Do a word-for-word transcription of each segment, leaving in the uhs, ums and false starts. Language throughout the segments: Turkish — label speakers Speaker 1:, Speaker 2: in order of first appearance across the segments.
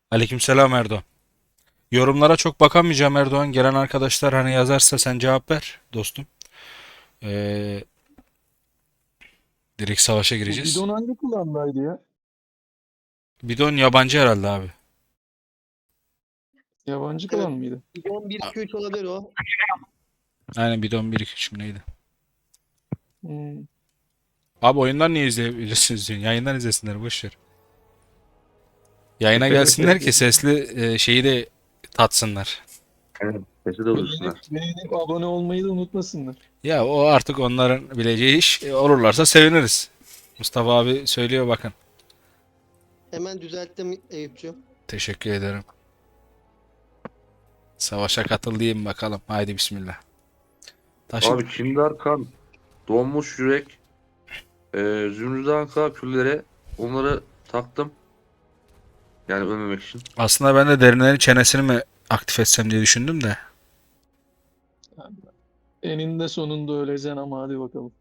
Speaker 1: Aleykümselam Erdoğan. Yorumlara çok bakamayacağım Erdoğan. Gelen arkadaşlar hani yazarsa sen cevap ver dostum. Ee, Direkt savaşa
Speaker 2: Bu
Speaker 1: gireceğiz.
Speaker 2: bidon hangi klandaydı ya?
Speaker 1: Bidon yabancı herhalde abi.
Speaker 2: Yabancı
Speaker 3: Evet.
Speaker 2: klan mıydı?
Speaker 3: on bir iki üç olabilir o.
Speaker 1: Aynen bidon bir iki üç mü neydi?
Speaker 2: Hmm.
Speaker 1: Abi oyundan niye izleyebilirsiniz diyorsun. Yayından izlesinler boş ver. Yayına gelsinler ki sesli e, şeyi de tatsınlar.
Speaker 4: Evet, sesi de
Speaker 2: Beğenip,
Speaker 4: duysunlar.
Speaker 2: beğenip abone olmayı da unutmasınlar.
Speaker 1: Ya o artık onların bileceği iş. E, olurlarsa seviniriz. Mustafa abi söylüyor bakın.
Speaker 3: Hemen düzelttim Eyüp'cüğüm.
Speaker 1: Teşekkür ederim. Savaşa katıl diyeyim bakalım. Haydi bismillah. Taşı
Speaker 4: Abi Kindar kan, donmuş yürek, e, Zümrüt Anka küllere onları taktım. Yani ölmemek için.
Speaker 1: Aslında ben de derinlerin çenesini mi aktif etsem diye düşündüm de.
Speaker 2: Eninde sonunda öleceksin ama hadi bakalım.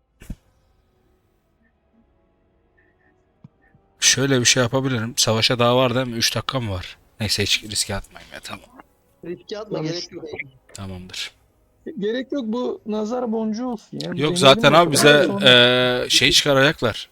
Speaker 1: Şöyle bir şey yapabilirim. Savaşa daha var değil mi? üç dakika mı var? Neyse hiç riske atmayayım ya. Tamam.
Speaker 3: Riske atma,
Speaker 2: Tamam.
Speaker 3: gerek yok Eyüp.
Speaker 1: Tamamdır.
Speaker 2: Gerek yok, bu nazar boncuğu olsun ya. Bir
Speaker 1: Yok
Speaker 2: deneyelim
Speaker 1: zaten abi
Speaker 2: bakalım.
Speaker 1: bize
Speaker 2: Sonra
Speaker 1: eee, şey çıkaracaklar.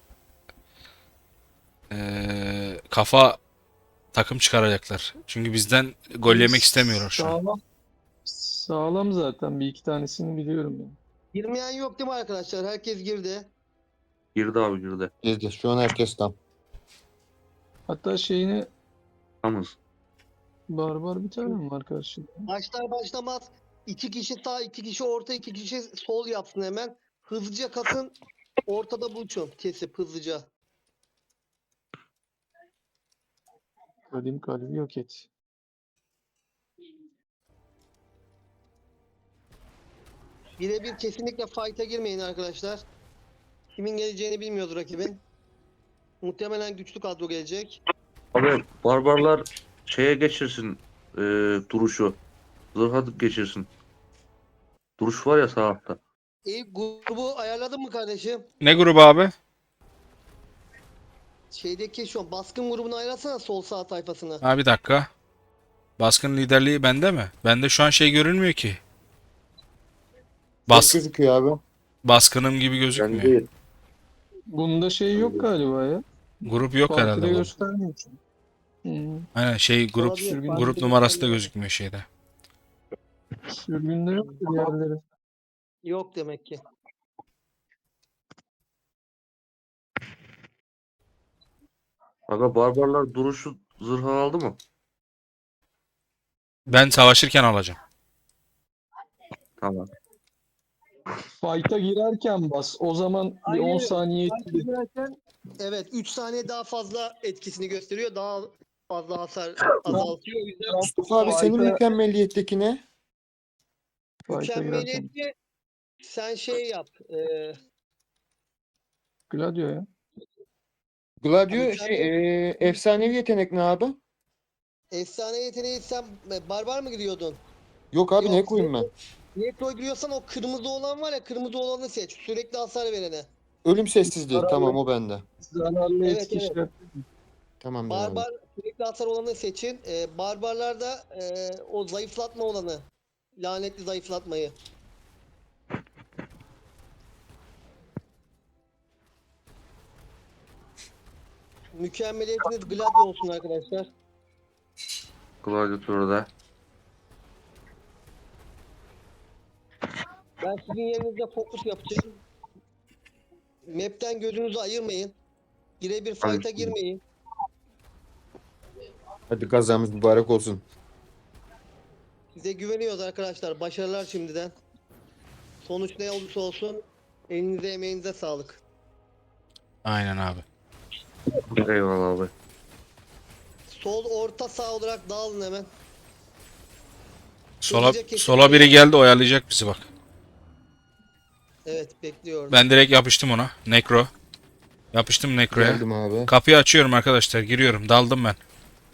Speaker 1: Eee, kafa takım çıkaracaklar. Çünkü bizden gol yemek istemiyorlar şu an.
Speaker 2: sağlam, sağlam zaten, bir iki tanesini biliyorum ben.
Speaker 3: Girmeyen yok değil mi arkadaşlar? Herkes girdi.
Speaker 4: Girdi abi girdi.
Speaker 5: Girdi. Şu an herkes tam.
Speaker 2: Hatta şeyini
Speaker 4: Tamız.
Speaker 2: barbar bir tane mi var karşıda?
Speaker 3: Başlar başlamaz iki kişi sağ, iki kişi orta, iki kişi sol yapsın hemen. Hızlıca kasın. Ortada buluşun. Kesip hızlıca.
Speaker 2: Kadim kalbi yok et.
Speaker 3: Birebir kesinlikle fight'a girmeyin arkadaşlar. Kimin geleceğini bilmiyoruz rakibin. Muhtemelen güçlü kadro gelecek.
Speaker 4: Abi barbarlar şeye geçirsin e, duruşu. Zırha geçirsin. Duruş var ya sağ altta.
Speaker 3: Eyüp, grubu ayarladın mı kardeşim?
Speaker 1: Ne grubu abi?
Speaker 3: Şeydeki şu an baskın grubunu ayarlasana, sol sağ tayfasını.
Speaker 1: Ha bir dakika. Baskın liderliği bende mi? Bende şu an şey görünmüyor ki.
Speaker 5: Çok
Speaker 1: Bas
Speaker 5: gözüküyor abi.
Speaker 1: baskınım gibi
Speaker 4: Ben
Speaker 1: gözükmüyor.
Speaker 4: değil.
Speaker 2: Bunda şey yok galiba ya.
Speaker 1: Grup yok herhalde
Speaker 2: Partide
Speaker 1: bu.
Speaker 2: göstermiyor çünkü. Hmm.
Speaker 1: Aynen şey grup
Speaker 3: Olabilir,
Speaker 2: Sürgün,
Speaker 1: grup
Speaker 3: partide
Speaker 1: numarası da
Speaker 3: göstermiyor.
Speaker 1: gözükmüyor şeyde.
Speaker 2: sürgünde yok diğerleri.
Speaker 3: Yok demek ki.
Speaker 4: Aga barbarlar duruşu zırha aldı mı?
Speaker 1: Ben savaşırken alacağım.
Speaker 4: Tamam.
Speaker 2: Fight'a girerken bas. O zaman bir on
Speaker 3: Hayır.
Speaker 2: saniye
Speaker 3: Fight'a
Speaker 2: etkili.
Speaker 3: girerken evet, üç saniye daha fazla etkisini gösteriyor. Daha fazla hasar azaltıyor. O yüzden
Speaker 5: Mustafa abi senin
Speaker 2: Fight'a
Speaker 5: mükemmeliyetteki ne?
Speaker 2: fight'a girerken.
Speaker 3: mükemmeliyetçi sen şey yap. E,
Speaker 5: Gladio
Speaker 2: Gladio ya.
Speaker 3: mükemmel,
Speaker 5: şey, e, efsanevi yetenek ne abi?
Speaker 3: efsane yeteneği sen e, barbar mı gidiyordun?
Speaker 5: Yok abi ne
Speaker 3: Yok.
Speaker 5: koyayım ben?
Speaker 3: Nitro giriyorsan o kırmızı olan var ya, kırmızı olanı seç. Sürekli hasar verene.
Speaker 5: Ölüm sessizliği. Tamam
Speaker 2: Zararlı,
Speaker 5: o bende.
Speaker 2: zararlı
Speaker 3: Evet,
Speaker 2: etki
Speaker 3: evet.
Speaker 2: işaret.
Speaker 5: Tamamdır abi.
Speaker 3: Barbar sürekli hasar olanı seçin. Ee, barbarlarda e, o zayıflatma olanı. Lanetli zayıflatmayı. Mükemmeliyetiniz Gladio olsun arkadaşlar.
Speaker 4: Gladiatör'de.
Speaker 3: Ben sizin yerinizde fokus yapacağım. Map'ten gözünüzü ayırmayın. Birebir fight'a
Speaker 4: Aynen.
Speaker 3: girmeyin.
Speaker 5: Hadi kazamız mübarek olsun.
Speaker 3: Size güveniyoruz arkadaşlar. Başarılar şimdiden. Sonuç ne olursa olsun elinize emeğinize sağlık.
Speaker 1: Aynen abi.
Speaker 4: Eyvallah abi.
Speaker 3: Sol, orta, sağ olarak dağılın hemen.
Speaker 1: Sola
Speaker 3: Hızlıca kesin.
Speaker 1: sola biri geldi oyalayacak bizi bak.
Speaker 3: Evet, bekliyorum.
Speaker 1: Ben direkt yapıştım ona. Necro. Yapıştım Necro'ya.
Speaker 5: Geldim abi.
Speaker 1: Kapıyı açıyorum arkadaşlar. Giriyorum. Daldım ben.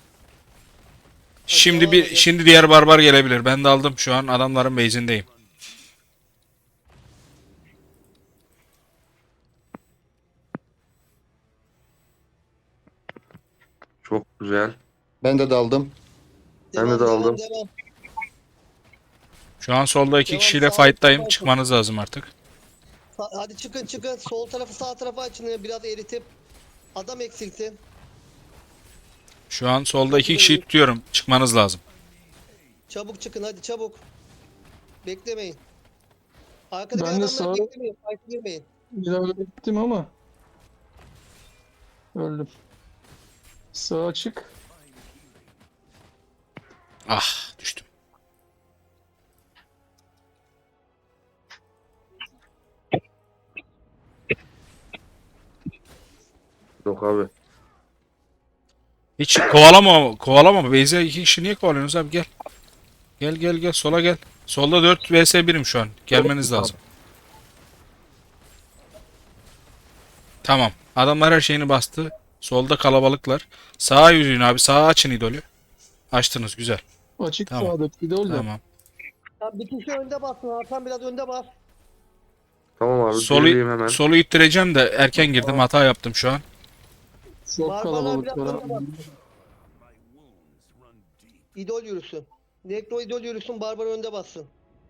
Speaker 1: Şimdi
Speaker 3: devam
Speaker 1: bir
Speaker 3: edin.
Speaker 1: şimdi diğer barbar gelebilir. Ben daldım şu an adamların base'indeyim.
Speaker 4: Çok güzel.
Speaker 5: Ben de daldım.
Speaker 4: Ben de
Speaker 3: Devam,
Speaker 4: de
Speaker 3: devam,
Speaker 4: aldım.
Speaker 3: devam.
Speaker 1: Şu an solda iki
Speaker 3: Devam,
Speaker 1: kişiyle
Speaker 3: sağ-
Speaker 1: fight'tayım.
Speaker 3: sağ-
Speaker 1: Çıkmanız lazım artık.
Speaker 3: Sa- Hadi çıkın çıkın. Sol tarafı sağ tarafa açın. Biraz eritip adam eksiltin.
Speaker 1: Şu an solda iki kişiyi tutuyorum. Çıkmanız lazım.
Speaker 3: Çabuk çıkın hadi çabuk. Beklemeyin. Arkadaki
Speaker 2: Ben de
Speaker 3: adamları
Speaker 2: sağa
Speaker 3: beklemeyin. Fight'a girmeyin.
Speaker 2: ilerlettim ama öldüm. Sağ açık.
Speaker 1: Ah, düştüm.
Speaker 4: Yok abi.
Speaker 1: Hiç kovalama, kovalama. Beyza iki kişi niye kovalıyorsunuz abi? Gel. Gel gel gel sola gel. Solda dört vs birim şu an. Gelmeniz lazım. Tamam. Adamlar her şeyini bastı. Solda kalabalıklar. Sağa yürüyün abi. Sağa açın idolü. Açtınız güzel.
Speaker 2: Açık
Speaker 1: Tamam.
Speaker 2: sağda idol de.
Speaker 1: Tamam.
Speaker 3: Ya bir kişi önde bassın. Hakan biraz önde bas.
Speaker 4: Tamam abi.
Speaker 1: Solu,
Speaker 4: Gerideyim hemen.
Speaker 1: solu ittireceğim de erken girdim. Hata yaptım şu an.
Speaker 2: Çok
Speaker 3: Barbarlar
Speaker 2: kalabalık
Speaker 3: biraz
Speaker 2: var
Speaker 3: önde
Speaker 2: abi.
Speaker 3: bas. İdol yürüsün. Nekro idol yürüsün. Barbar önde bassın.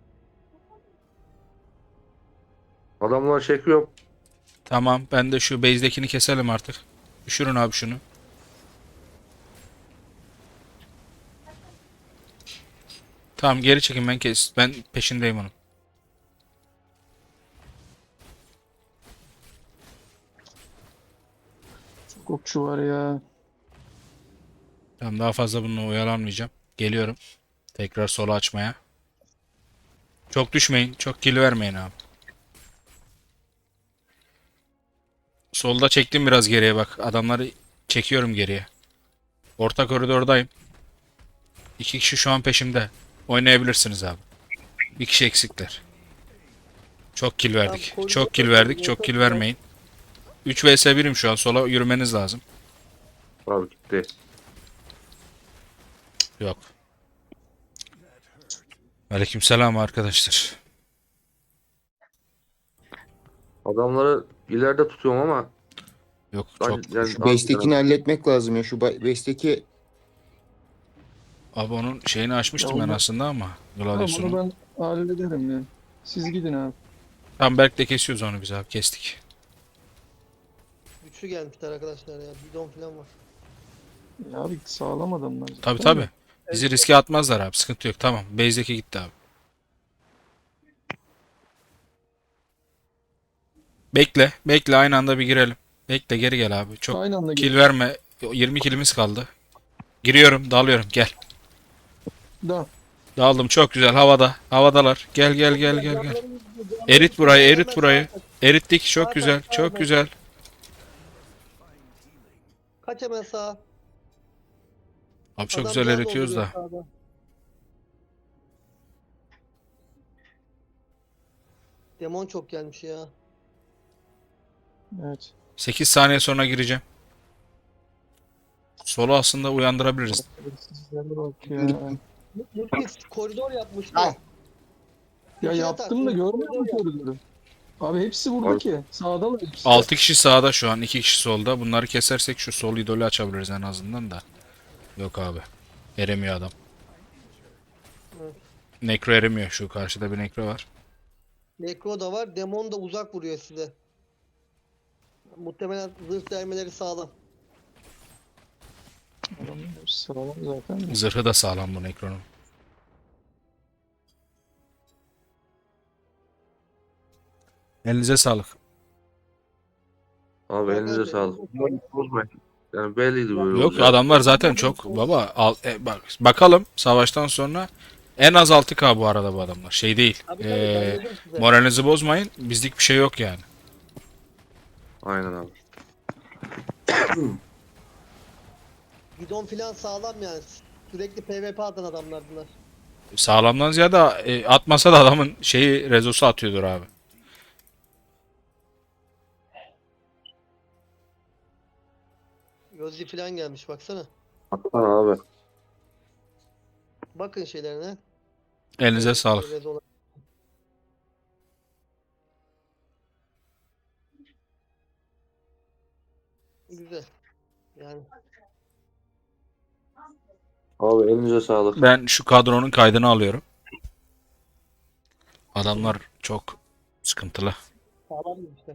Speaker 4: Adamlar çekiyor.
Speaker 1: Tamam. Ben de şu base'dekini keselim artık. Düşürün abi şunu. Tamam geri çekin ben kes. Ben peşindeyim onun.
Speaker 2: Çok okçu var ya.
Speaker 1: Tamam daha fazla bununla oyalanmayacağım. Geliyorum. Tekrar sola açmaya. Çok düşmeyin. Çok kill vermeyin abi. Solda çektim biraz geriye bak. Adamları çekiyorum geriye. Orta koridordayım. İki kişi şu an peşimde. Oynayabilirsiniz abi. Bir kişi eksikler. Çok kill verdik.
Speaker 3: Tamam,
Speaker 1: Çok kill
Speaker 3: koridor-
Speaker 1: verdik. Çok kill vermeyin. üç vs birim şu an. Sola yürümeniz lazım.
Speaker 4: Abi gitti.
Speaker 1: Yok. Aleykümselam arkadaşlar.
Speaker 4: Adamları ileride tutuyorum ama
Speaker 1: Yok
Speaker 4: ben
Speaker 1: çok.
Speaker 4: yani
Speaker 5: Şu base'tekini halletmek lazım ya. Şu ba- base'teki
Speaker 1: Abi onun şeyini açmıştım
Speaker 2: Ya
Speaker 1: ben
Speaker 2: onu-
Speaker 1: aslında ama.
Speaker 2: Tamam
Speaker 1: Gladius'unu.
Speaker 2: onu ben hallederim ya. Siz gidin abi.
Speaker 1: Tamam Berk de kesiyoruz onu biz abi. Kestik.
Speaker 3: Güçlü gelmişler arkadaşlar ya. Bidon falan var.
Speaker 2: Ya abi sağlam adamlar.
Speaker 1: Tabi
Speaker 2: zaten
Speaker 1: tabi.
Speaker 2: de.
Speaker 1: Bizi riske atmazlar abi. Sıkıntı yok. Tamam. Base'deki gitti abi. Bekle. Bekle. Aynı anda bir girelim. Bekle geri gel abi. Çok
Speaker 2: Aynı anda
Speaker 1: kill
Speaker 2: gel.
Speaker 1: verme. yirmi killimiz kaldı. Giriyorum. Dalıyorum. Gel.
Speaker 2: Da.
Speaker 1: Daldım. Çok güzel. Havada. Havadalar. Gel gel gel gel gel. Erit burayı. Erit burayı. Erittik. Çok güzel. Çok güzel.
Speaker 3: Kaç hemen sağa.
Speaker 1: Abi çok
Speaker 3: Adam
Speaker 1: güzel
Speaker 3: biraz
Speaker 1: eritiyoruz da.
Speaker 3: dolduruyor sağda. Demon çok gelmiş ya.
Speaker 2: Evet.
Speaker 1: sekiz saniye sonra gireceğim. Solu aslında uyandırabiliriz.
Speaker 2: Sizlere bak ya.
Speaker 3: Multis koridor yapmıştı.
Speaker 5: Ah.
Speaker 2: Ya
Speaker 3: İki
Speaker 2: yaptım da
Speaker 3: atak,
Speaker 2: görmüyor musun
Speaker 3: koridor
Speaker 2: koridoru? Abi hepsi burada
Speaker 4: Abi-
Speaker 2: ki. Sağdalar hepsi.
Speaker 1: altı kişi sağda şu an. iki kişi solda. Bunları kesersek şu sol idolü açabiliriz en azından da. Yok abi. Eremiyor adam.
Speaker 3: Evet.
Speaker 1: Nekro eremiyor. Şu karşıda bir nekro var.
Speaker 3: Nekro da var. Demon da uzak vuruyor size. Muhtemelen zırh dermeleri sağlam.
Speaker 2: Adamlar hepsi sağlam zaten de.
Speaker 1: Zırhı da sağlam bu nekronun. Elinize sağlık.
Speaker 4: abi elinize sağlık. Bozmayın. Yani belliydi böyle
Speaker 1: Yok
Speaker 4: olacak.
Speaker 1: adamlar zaten çok baba al, e, bak bakalım savaştan sonra en az altı K bu arada bu adamlar. Şey değil.
Speaker 3: Abi tabii
Speaker 1: E,
Speaker 3: ben dedim size.
Speaker 1: moralinizi bozmayın. Bizlik bir şey yok yani.
Speaker 4: Aynen abi.
Speaker 3: Bidon falan sağlam yani. Sürekli PvP atan adamlar bunlar.
Speaker 1: Sağlamdan ziyade e, atmasa da adamın şeyi rezosu atıyordur abi.
Speaker 3: Yozzi falan gelmiş baksana.
Speaker 4: Atsana abi.
Speaker 3: Bakın şeylerine.
Speaker 1: Elinize sağlık.
Speaker 3: Rezolar. Güzel. Yani
Speaker 4: Abi elinize sağlık.
Speaker 1: Ben şu kadronun kaydını alıyorum. Adamlar çok sıkıntılı.
Speaker 3: Sağlam işte.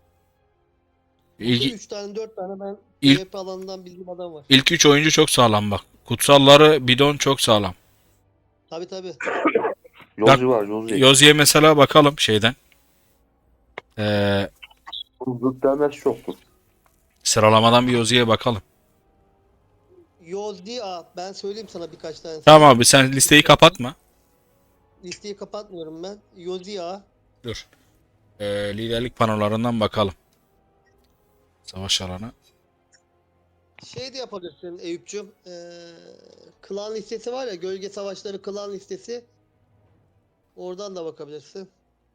Speaker 1: İlk,
Speaker 3: üç tane dört tane ben
Speaker 1: İlk-
Speaker 3: P V P alanından bildiğim adam var.
Speaker 1: ilk üç oyuncu çok sağlam bak. Kutsalları bidon çok sağlam.
Speaker 3: Tabi tabi.
Speaker 4: Yolcu var yolcu.
Speaker 1: Yozi'ye mesela bakalım şeyden. Ee,
Speaker 4: Zıt demez çoktur.
Speaker 1: sıralamadan bir Yozi'ye bakalım.
Speaker 3: Yozdi A. Ben söyleyeyim sana birkaç tane.
Speaker 1: Tamam abi sen listeyi kapatma.
Speaker 3: Listeyi kapatmıyorum ben. Yozdi A.
Speaker 1: Dur. Ee, liderlik panolarından bakalım. Savaş alanı.
Speaker 3: Şey de yapabilirsin Eyüp'cüm. Ee, klan listesi var ya. Gölge Savaşları klan listesi. Oradan da bakabilirsin.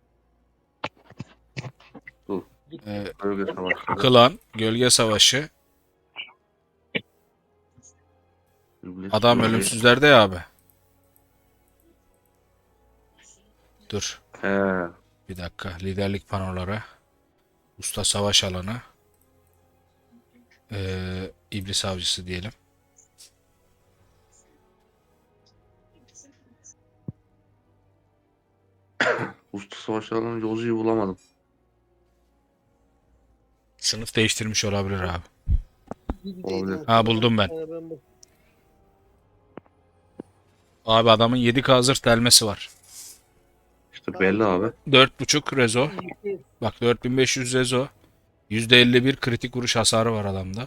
Speaker 1: Ee,
Speaker 4: Bölge savaşları.
Speaker 1: Klan, Gölge Savaşı.
Speaker 4: İblis
Speaker 1: Adam
Speaker 4: bölge.
Speaker 1: ölümsüzlerde ya abi. Dur.
Speaker 4: He.
Speaker 1: Bir dakika. Liderlik panoları. Usta savaş alanı. Ee, İblis avcısı diyelim.
Speaker 4: Usta savaşlarının yolcuyu bulamadım.
Speaker 1: Sınıf değiştirmiş olabilir abi.
Speaker 3: Gibi
Speaker 4: Olabilir.
Speaker 3: değil
Speaker 1: Ha, buldum ben.
Speaker 3: Ee, ben bu-
Speaker 1: Abi adamın yedi K zırh delmesi var.
Speaker 4: İşte belli abi.
Speaker 1: dört buçuk rezo.
Speaker 3: Liste-
Speaker 1: Bak dört bin beş yüz rezo. yüzde elli bir kritik vuruş hasarı var adamda.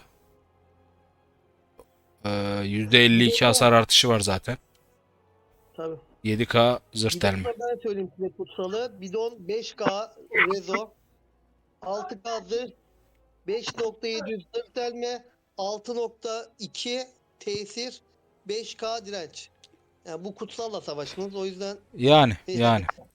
Speaker 1: Ee, yüzde elli iki hasar artışı var zaten.
Speaker 3: Tabii.
Speaker 1: yedi K zırh
Speaker 3: Bidon
Speaker 1: delme.
Speaker 3: da ben söyleyeyim size kutsalı. Bidon beş K rezo. altı K zırh. beş nokta yedi yüz zırh delme. altı nokta iki tesir. beş K direnç. Yani bu kutsalla savaşınız. O yüzden
Speaker 1: Yani yani.